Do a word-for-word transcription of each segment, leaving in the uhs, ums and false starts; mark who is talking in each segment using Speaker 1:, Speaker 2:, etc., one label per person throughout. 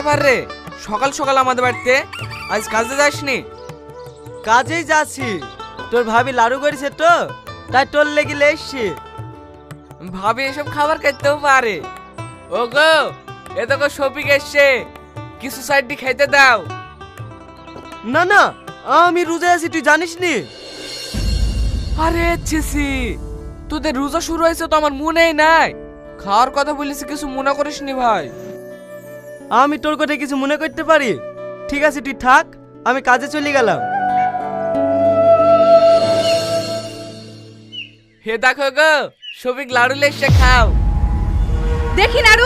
Speaker 1: ব্যাপার রে, সকাল সকাল আমাদের বাড়িতে? আজ কাজে যাসনি?
Speaker 2: কাজেই যাচ্ছি। তোর ভাবি লাড়ু করেছে তো, তাই তোর লেগে এসছি।
Speaker 1: ভাবি এসব খাবার খেতেও পারে? ও গো, এ তো গো শফিক এসছে, কিছু সাইডটি খেতে দাও।
Speaker 2: না না, আমি রোজা আছি, তুই জানিস নি?
Speaker 1: আরে ছিসি, তোদের রোজা শুরু হয়েছে তো আমার মনেই নাই। খাওয়ার কথা বলিস, কিছু মনে করিস নি ভাই?
Speaker 2: আমি তোর কথা কিছু মনে করতে পারি? ঠিক আছে তুই থাক, আমি কাজে চলে গেলাম।
Speaker 1: হে দেখো গো, শফিক লাড়ু লেসে খাও।
Speaker 3: দেখি নাড়ু।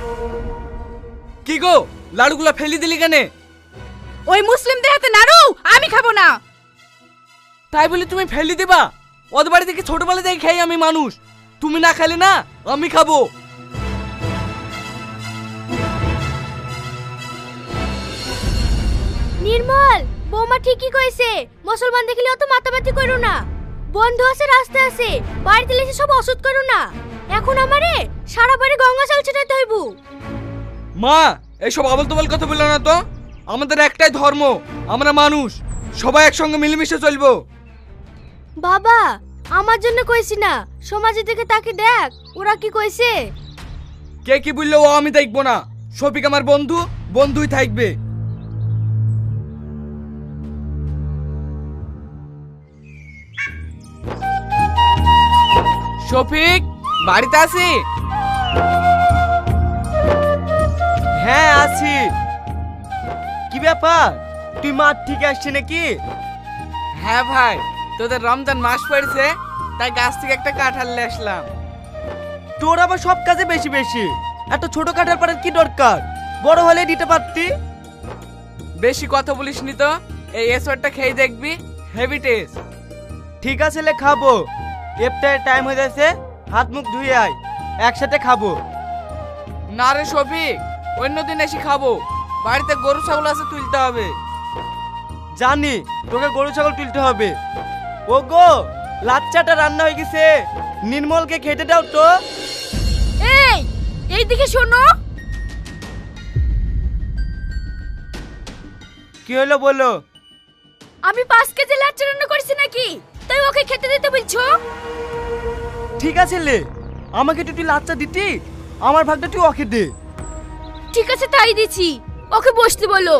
Speaker 1: কি গো, লাড়ুগুলো ফেলি দিলি কেন?
Speaker 3: ওই মুসলিমদের হাতে নাড়ু আমি খাবো না।
Speaker 1: তাই বলি তুমি ফেলি দিবা? ওদের বাড়ি থেকে ছোটবেলা থেকে খাই আমি মানুষ, তুমি না খেলে না আমি খাবো।
Speaker 4: নির্মল, বৌমা ঠিকই কইছে, মুসলমান দেখলে অত মাতামাতি করো না। বন্ধু আছে, রাস্তা আছে, বাড়িতে এসে সব অসুদ করো না। এখন আমারে সারা বাড়ি গঙ্গা জল ছিটাতে হইব।
Speaker 1: মা, এইসব আবল তবল কথা বললো না তো। আমাদের একটাই ধর্ম, আমরা মানুষ, সবাই একসঙ্গে মিলেমিশে চলবো।
Speaker 4: বাবা, আমার জন্য কইছি না, সমাজের দিকে তাকে দেখ, ওরা কি কইছে।
Speaker 1: কে কি বললো ও আমি দেখবো না। শফিক আমার বন্ধু, বন্ধুই থাকবে। শফিক, বাড়িতে আছি?
Speaker 2: হ্যাঁ আছি। কি ব্যাপার, তুই মাঠ থেকে আসছে নাকি?
Speaker 1: হ্যাঁ ভাই, তোদের রমজান মাস পড়েছে, তাই গাছ থেকে একটা কাঁঠাল নিয়ে আসলাম।
Speaker 2: তোর আবার সব কাজে বেশি বেশি, এত ছোট কাঠার পাড়ার কি দরকার? বড় হলে দিতে পারতি।
Speaker 1: বেশি কথা বলিস নি তো। এই এসরটা খেয়ে দেখবি, হেভি টেস্ট।
Speaker 2: ঠিক আছে লে, খাবো। ইফতারের টাইম হয়ে যাচ্ছে, হাত মুখ ধুয়ে আয়, একসাথে খাবো।
Speaker 1: না রে শফিক, অন্যদিন এসে খাবো। বাড়িতে গরু ছাগল আছে, তুলতে হবে।
Speaker 2: জানি তোকে গরু ছাগল তুলতে হবে। ও গো, লাচ্চাটা রান্না হয়ে গেছে, নির্মলকে খেতে দাও তো।
Speaker 3: এই, এই দিকে শোনো।
Speaker 2: কি হলো বলো?
Speaker 3: আমি পাঁচ কেজি লাচ্চা রান্না করেছি নাকি, তাই ওকে খেতে দিতে বলছো?
Speaker 2: ঠিক আছে লে, আমাকে একটু তুই লাচ্চা দিতি, আমার ভাগটা তুই ওকে দে।
Speaker 3: ঠিক আছে তাই দিছি, ওকে বসতে বলো।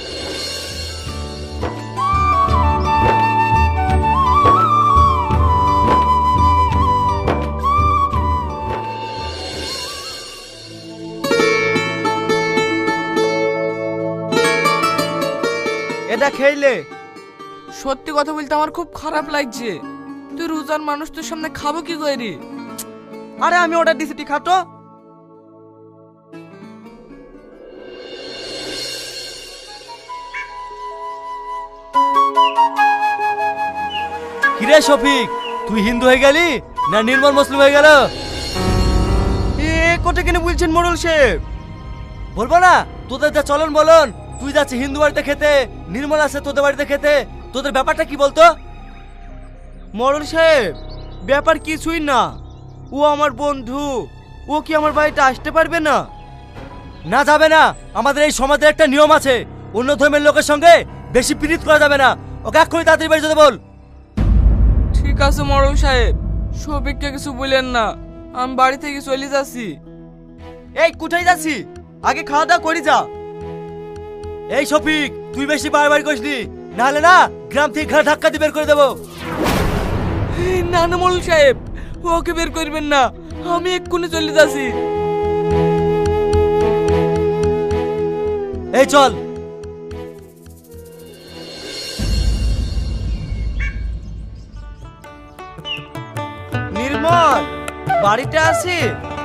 Speaker 2: এটা খেইলে।
Speaker 1: সত্যি কথা বলতে আমার খুব খারাপ লাগছে। তুই রোজার মানুষ, তোর সামনে খাবো কি করে?
Speaker 2: আরে আমি অর্ডার দিছি, তুই খাতো।
Speaker 5: কিরে শফিক, তুই হিন্দু হয়ে গেলি না নির্মল মুসলিম হয়ে গেল?
Speaker 2: এ কোটে কেন বলছেন মোড়ল সাহেব?
Speaker 5: বলবো না, তোদের যা চলন বলন, তুই যাচ্ছিস হিন্দু বাড়িতে খেতে, নির্মল আছে তোদের বাড়িতে খেতে, তোদের ব্যাপারটা কি বলতো?
Speaker 2: মোড়ল সাহেব, ব্যাপার কিছুই না, ও আমার বন্ধু, ও কি আমার বাড়িতে আসতে পারবে না?
Speaker 5: না যাবে না, আমাদের এই সমাজের একটা নিয়ম আছে, অন্য ধর্মের লোকের সঙ্গে বেশি পীড়িত করা যাবে না। ওকে এক্ষুনি তাড়াতাড়ি বাড়ি যেতে বল।
Speaker 1: ঠিক আছে মরল সাহেব, শফিককে কিছু বলেন না, আমি বাড়ি থেকে চলে যাচ্ছি।
Speaker 2: এই কোথায় যাচ্ছি? আগে খাওয়া দাওয়া করি যা।
Speaker 5: এই শফিক, তুই বেশি বারবার করিসনি, নাহলে না গ্রাম থেকে ঘাড় ধাক্কা দিয়ে বের করে দেবো।
Speaker 1: এই, না না মরল সাহেব, ওকে বের করবেন না, আমি এক্ষুনি চলে যাচ্ছি।
Speaker 5: এই চল।
Speaker 2: নির্মল, বাড়িতে আছি?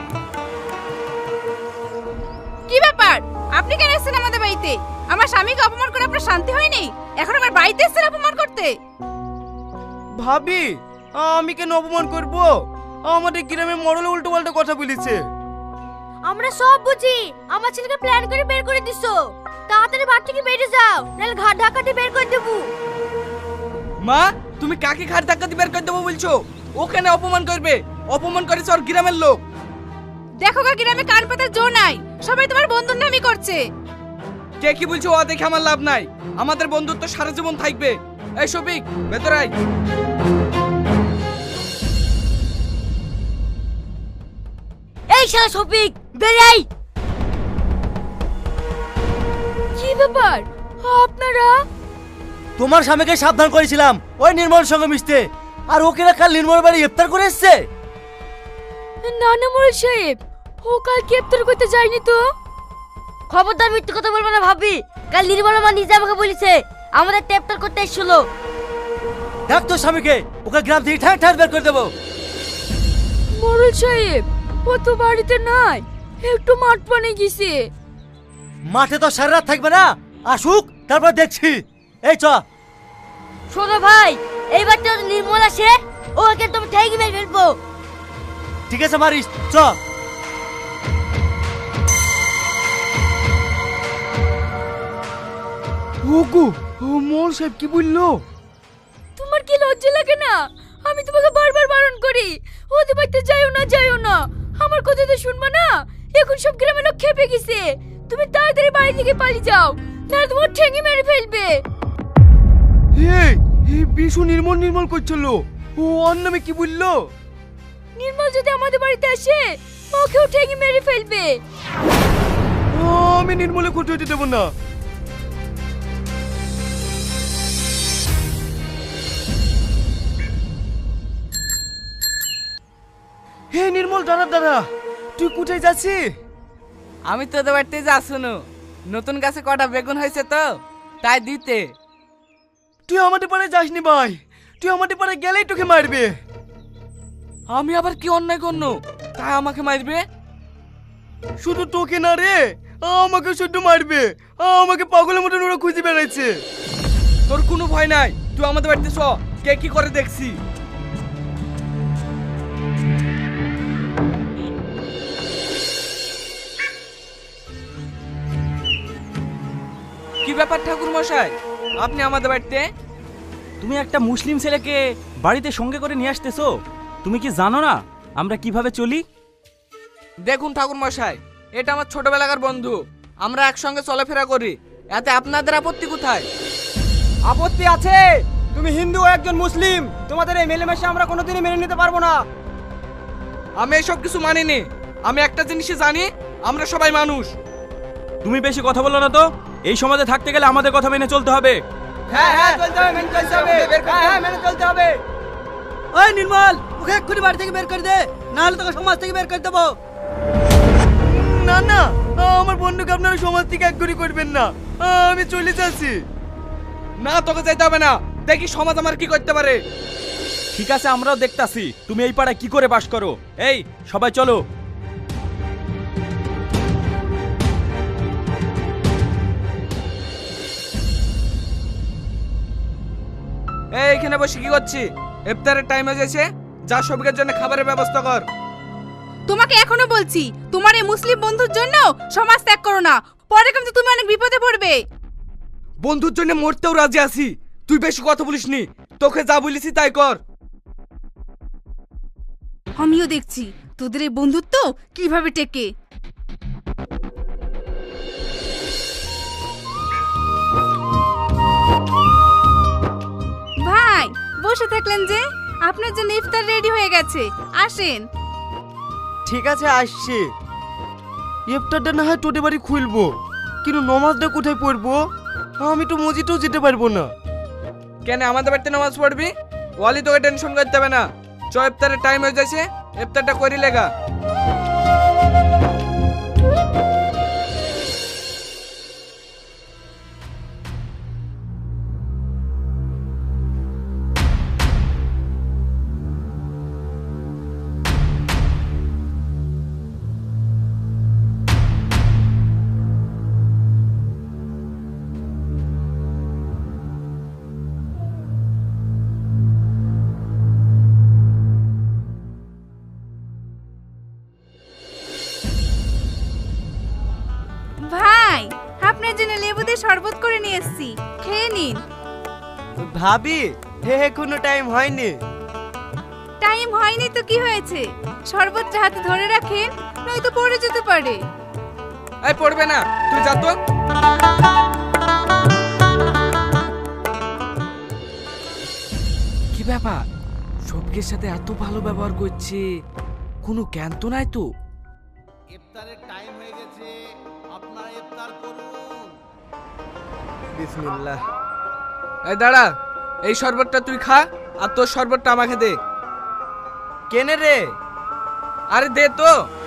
Speaker 3: কি ব্যাপার, আপনি কেন এসেছেন আমাদের বাড়িতে? আমার স্বামীকে অপমান করে আপনার শান্তি হয়নি, এখন আমার বাড়িতে এসেছেন অপমান করতে?
Speaker 2: ভাবি, আমি কেন অপমান করব? আমাদের গ্রামে মরলে উল্টো পাল্টা কথা বলেছে।
Speaker 4: আমরা সব বুঝি, আমার ছেলেকে প্ল্যান করে বের করে দিছো। তাড়াতাড়ি বাড়ি থেকে বেরিয়ে যাও, নাহলে ঘাট ধাক্কা দিয়ে বের করে দেবো।
Speaker 1: মা, তুমি কাকে ঘাট ধাক্কা দিয়ে বের করে দেবো বলছো? ও কেন অপমান করবে? অপমান করেছে ওর গ্রামের লোক।
Speaker 3: দেখো গা, গ্রামে কান পাতার জো নাই, সবাই তোমার বন্ধুর নামই করছে।
Speaker 1: কে কি বলছে ও দেখে আমার লাভ নাই, আমাদের বন্ধুত্ব সারা জীবন থাকবে। এই শফিক ভেতরে আয়।
Speaker 4: এই শালা শফিক বেরাই। কি ব্যাপার আপনারা?
Speaker 5: তোমার স্বামীকে সাবধান করেছিলাম ওই নির্মল সঙ্গে মিশতে, আর ওকে না কাল নির্মল বাড়ি ইফতার করে এসছে।
Speaker 4: না না মোড়ল সাহেব, ও কাল ইফতার করতে যায়নি তো। খবরদার মিথ্যে কথা বলবে না ভাবি, কাল নির্মল মা নিজে আমাকে বলেছে আমাদের ইফতার করতে এসেছিল।
Speaker 5: ডাক তোর স্বামীকে, ওকে গ্রাম থেকে ঠাঁ ঠাঁ বের করে দেবো।
Speaker 4: মোড়ল সাহেব ও তো বাড়িতে নাই, একটু মাঠ পানে গেছে।
Speaker 5: মাঠে তো সারা রাত থাকবে না, আসুক তারপর দেখছি। এই চ।
Speaker 4: শোনো ভাই, এইবার তো নির্মল আসে ওকে তুমি ঠেকি মেরে ফেলবো।
Speaker 5: ঠিক আছে মারিস, চ।
Speaker 2: ওগো ও মোল সাহেব কি বললো?
Speaker 4: তোমার কি লজ্জা লাগে না? আমি তোমাকে বারবার বারণ করি ওদের বাড়িতে যাইও না যাইও না, আমার কথা তো শুনবা না। এখন সব গ্রামের লোক খেপে গেছে, তুমি তাড়াতাড়ি বাড়ি থেকে পালিয়ে যাও, নাহলে তোমার ঠেঙে মেরে ফেলবে।
Speaker 2: এই এই বিশু নির্মল নির্মল করছিল, ও ওর নামে কি বললো?
Speaker 4: নির্মল যদি আমাদের বাড়িতে আসে ওকেও ঠেঙে মেরে ফেলবে।
Speaker 2: আমি নির্মলে খুঁটে হইতে দেবো না। হে নির্মল দাঁড়া দাঁড়া, তুই কোথায় যাচ্ছিস?
Speaker 1: আমি তোদের বাড়িতে যা শুনো, নতুন গাছে কটা বেগুন হয়েছে তো তাই দিতে।
Speaker 2: তুই আমাদের পাড়ে যাসনি ভাই, তুই আমাদের পাড়ে গেলেই তোকে মারবে।
Speaker 1: আমি আবার কি অন্যায় করনো তাই আমাকে মারবে?
Speaker 2: শুধু তোকে না রে, আমাকে শুধু মারবে। আমাকে পাগলের মতন ওরা খুঁজে বেড়াচ্ছে।
Speaker 1: তোর কোনো ভয় নাই, তুই আমাদের বাড়িতে চ, কে কি করে দেখছি। কি ব্যাপার ঠাকুর মশাই, আপনি আমাদের বাড়িতে?
Speaker 6: তুমি একটা মুসলিম ছেলেকে বাড়িতে সঙ্গে করে নিয়ে আসতেছো, তুমি কি জানো না আমরা কিভাবে চলি?
Speaker 1: দেখুন ঠাকুর মশাই, এটা আমার ছোটবেলাকার বন্ধু, আমরা একসঙ্গে চলাফেরা করি, এতে আপনাদের আপত্তি কোথায়?
Speaker 2: আপত্তি আছে, তুমি হিন্দু ও একজন মুসলিম, তোমাদের এই মেলেমেশা আমরা কোনোদিনই মেনে নিতে পারবো না।
Speaker 1: আমি এসব কিছু মানিনি, আমি একটা জিনিসই জানি, আমরা সবাই মানুষ।
Speaker 6: তুমি বেশি কথা বলো না তো, এই সমাজে থাকতে গেলে আমাদের কথা মেনে চলতে হবে।
Speaker 2: হ্যাঁ হ্যাঁ চলতে হবে, মেনে চলতে হবে। হ্যাঁ হ্যাঁ মেনে চলতে হবে।
Speaker 5: ওই নির্মল, ওকে এক্ষুনি বাড়ি থেকে বের করে দে, না হলে তোকে সমাজ থেকে বের করে দেবো।
Speaker 2: না না, আমার বন্ধুকে আপনারা সমাজ থেকে এক করে করবেন না, আমি চলে যাচ্ছি।
Speaker 1: না তোকে যেতে হবে না, দেখি সমাজ আমার কি করতে পারে।
Speaker 6: ঠিক আছে, আমরাও দেখতাছি তুমি এই পাড়ায় কি করে বাস করো। এই সবাই চলো।
Speaker 1: এই এখানে বসে কি করছি? ইফতারের টাইম হয়ে গেছে, যা সবিকের জন্য খাবারের ব্যবস্থা কর।
Speaker 3: তোমাকে এখনো বলছি তোমার এই মুসলিম বন্ধুর জন্য সমাজ ত্যাগ করো না, পরে কিন্তু তুমি অনেক বিপদে পড়বে।
Speaker 1: বন্ধুর জন্য মরতেও রাজি আছি, তুই বেশি কথা বলিস নি, তোকে যা বলেছি তাই কর।
Speaker 3: আমিও দেখছি তোদের এই বন্ধুত্ব কিভাবে টেকে। ভাই বসে থাকলেন যে, আপনার জন্য ইফতার রেডি হয়ে গেছে, আসেন।
Speaker 2: ঠিক আছে আসছি। ইফতারটা না হয় তোদের বাড়ি খুলবো, কিন্তু নমাজটা কোথায় পড়বো? আমি তো মসজিদেও যেতে পারবো না।
Speaker 1: কেন আমাদের বাড়িতে নামাজ পড়বি? ওয়ালি তোকে টেনশন করতে হবে না, চ ইফতারের টাইম হয়ে যাচ্ছে, ইফতারটা করি লেগা।
Speaker 3: ভাই আপনার জন্য লেবু দিয়ে শরবত করে নিয়ে এসেছি, খেয়ে নিন।
Speaker 2: ভাবি হে হে কোনো টাইম হয়নি।
Speaker 3: টাইম হয়নি তো কি হয়েছে, শরবতটা হাতে ধরে রাখেন, নয়তো পড়ে যেতে পারে।
Speaker 1: এই পড়বে না, তুই যা তো। কি ব্যাপার, সবকের সাথে এত ভালো ব্যবহার করছে, কোনো জ্ঞান তো নাই তো?
Speaker 7: ইফতারের টাইম হয়ে গেছে, আপনারা ইফতার করুন।
Speaker 2: বিসমিল্লাহ।
Speaker 1: এই দাঁড়া, এই শরবতটা তুই খা, আর তোর শরবতটা আমাকে দে।
Speaker 2: কেনে রে?
Speaker 1: আরে দে তো।